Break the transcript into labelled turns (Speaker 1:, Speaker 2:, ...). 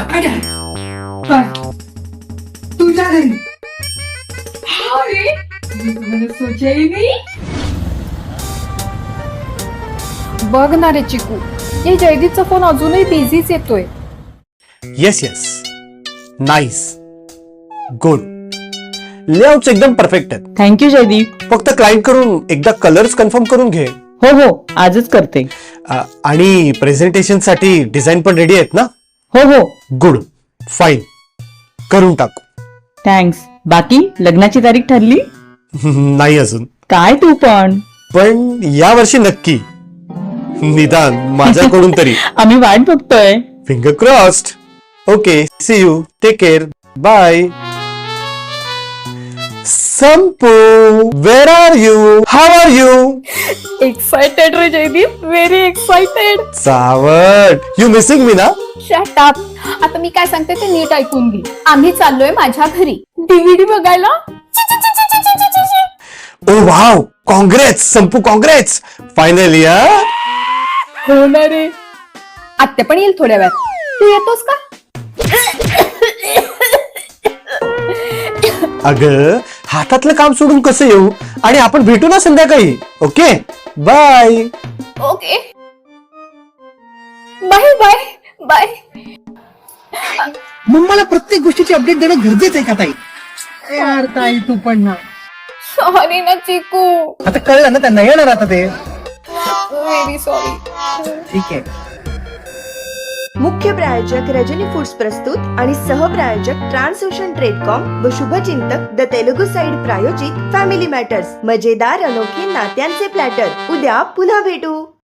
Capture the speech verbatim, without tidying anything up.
Speaker 1: काय काय तुझ्या घरी
Speaker 2: अरे मैंने सोचा ही नहीं. बघ ना रे चिकू, या जयदीपचा फोन अजूनही बिझीच येतोय.
Speaker 3: Yes yes nice good layouts एकदम परफेक्ट आहेत.
Speaker 4: थँक्यू जयदीप.
Speaker 3: फक्त क्लायंट कडून एकदा कलर्स कन्फर्म करून घे.
Speaker 4: हो हो आजच करते.
Speaker 3: अ, आणि प्रेझेंटेशन साठी डिझाईन पण रेडी आहेत ना?
Speaker 4: हो हो
Speaker 3: गुड फाईन करून टाकू.
Speaker 4: थँक्स. बाकी लग्नाची तारीख ठरली?
Speaker 3: नाही अजून,
Speaker 4: काय तू पण.
Speaker 3: पण या वर्षी नक्की, निदान माझ्याकडून तरी.
Speaker 4: आम्ही वाट बघतोय.
Speaker 3: Finger crossed. Okay see you take care bye. संपू where are you how are you?
Speaker 2: Excited रे जयदीप, व्हेरी एक्साइटेड.
Speaker 3: सावट यू मिसिंग मी ना?
Speaker 2: Shut up. आता मी काय सांगते ते नीट ऐकून घे. आम्ही चाललोय माझ्या घरी डीव्हीडी बघायला.
Speaker 3: ओ वाव काँग्रेस संपू काँग्रेस फायनली. हा
Speaker 2: हो ना रे. आत्या पण येईल थोड्या वेळात. तू येतोस का?
Speaker 3: अगं हातातलं काम सोडून कसं येऊ? आणि आपण भेटू ना संध्याकाळी. Okay bye.
Speaker 2: Okay bye bye bye.
Speaker 1: मग मला प्रत्येक गोष्टीची अपडेट देणं गरजेचं आहे का ताई? यार ताई तू पण ना.
Speaker 2: सॉरी ना चिकू,
Speaker 1: आता कळलं ना त्यांना, येणार आता ते.
Speaker 2: Very sorry.
Speaker 1: ठीक आहे.
Speaker 5: मुख्य प्रायोजक रजनी फूड्स प्रस्तुत आणि सहप्रायोजक ट्रान्सओशन ट्रेडकॉम व शुभचिंतक द तेलुगू साइड प्रायोजित फॅमिली मॅटर्स. मजेदार अनोखे नात्यांचे प्लॅटर. उद्या पुन्हा भेटू.